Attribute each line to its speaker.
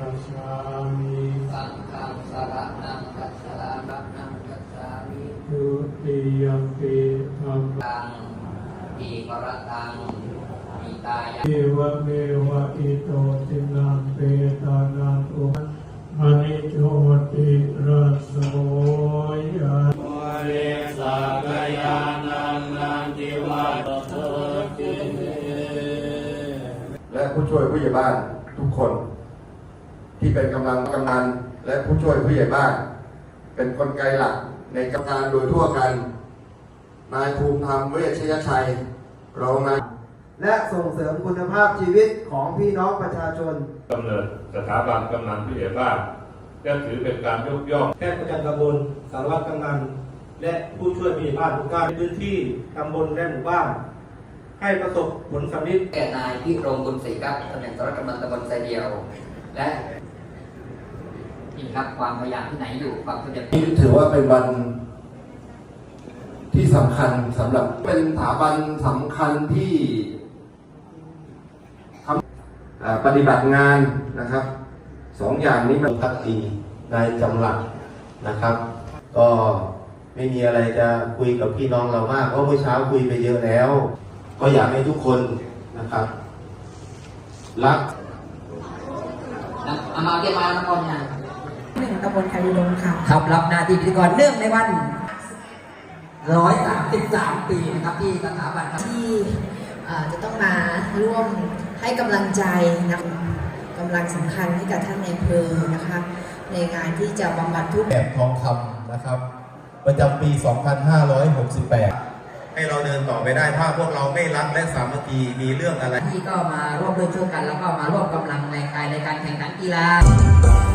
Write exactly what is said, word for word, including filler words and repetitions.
Speaker 1: ชฌามิ
Speaker 2: สังฆังสรณังคัจฉานังคัจฉามิ
Speaker 1: ทุติยมปิธัม
Speaker 2: ตังอิปรตังอิตายะ
Speaker 1: เอวะเมวะอิโตตินังเปตานังอุมณิโชติรัสโสยะโมเรสักยานันนันติวัตโตติ
Speaker 3: และผู้ช่วยผู้ใหญ่บ้านทุกคนที่เป็นกำลังกำนันและผู้ช่วยผู้ใหญ่บ้านเป็นกลไกหลักในการโดยทั่วกันนายภูมิธรรมเวชยชัยรองนาย
Speaker 4: และส่งเสริมคุณภาพชีวิตของพี่น้องประชาชน
Speaker 5: กำเนิดสถาบันกำนันผู้ใหญ่บ้านก็ถือเป็นการยกย่อง
Speaker 6: แพทย์ประจำตำบลสารวัตรกำนันและผู้ช่วยผู้ใหญ่บ้านทุกท่านในพื้นที่ตำบลและหมู่บ้านให้ประสบผลสำเร็จ
Speaker 2: แก่นายพิรมบุญศรีครับตำแหน่งสารวัตรกำนันตำบลไซเดียวและนี่ครับความพยายามที่ไหนอยู่ความสำเร็จ
Speaker 3: นี่ถือว่าเป็นวันที่สำคัญสำหรับเป็นสถาบันสำคัญที่ทำปฏิบัติงานนะครับสองอย่างนี้มัน
Speaker 7: พักดีนายจำหลักนะครับก็ไม่มีอะไรจะคุยกับพี่น้องเรามากเพราะเมื่อเช้าคุยไปเยอะแล้วก็อยากให้ทุกคนนะครับรัก
Speaker 2: อามาเกี่ยวมาแล้วก่อนนะ
Speaker 8: หนึ่งตำบลคาริลงค่ะ
Speaker 2: ครับรับหน้าที่พิธีกรเนื่องในวันร้อยสามสิบสามปีนะครับที่สถาบัน
Speaker 8: ที่จะต้องมาร่วมให้กำลังใจนะกำลังสำคัญให้กับท่านในอำเภอนะคะในงานที่จะบำบัดทุกข์
Speaker 7: แบบทองคำนะครับประจำปี สองพันห้าร้อยหกสิบแปด ให้เราเดินต่อไปได้ถ้าพวกเราไม่รักและสามัคคีมีเรื่องอะไร
Speaker 2: ที่ก็มาร่วมด้วยช่วยกันแล้วก็มาร่วมกำลังแรงกายในการแข่งขันกีฬา